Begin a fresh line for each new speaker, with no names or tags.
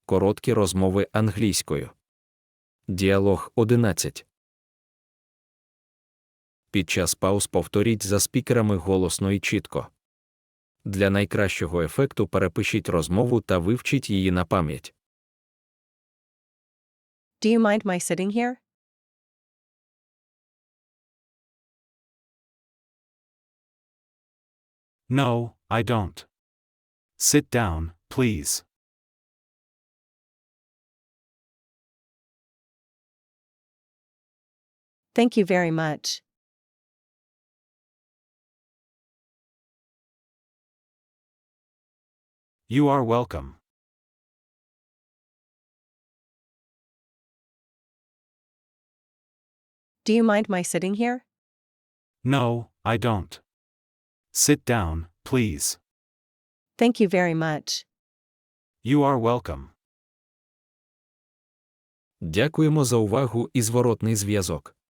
Короткі розмови англійською. Діалог 11. Під час пауз повторіть за спікерами голосно і чітко. Для найкращого ефекту перепишіть розмову та вивчіть її на пам'ять.
Do you mind my sitting here?
No, I don't. Sit down, please.
Thank you very much.
You are welcome.
Do you mind my sitting here?
No, I don't. Sit down, please.
Thank you very much.
You are welcome.
Дякуємо за увагу і зворотний зв'язок.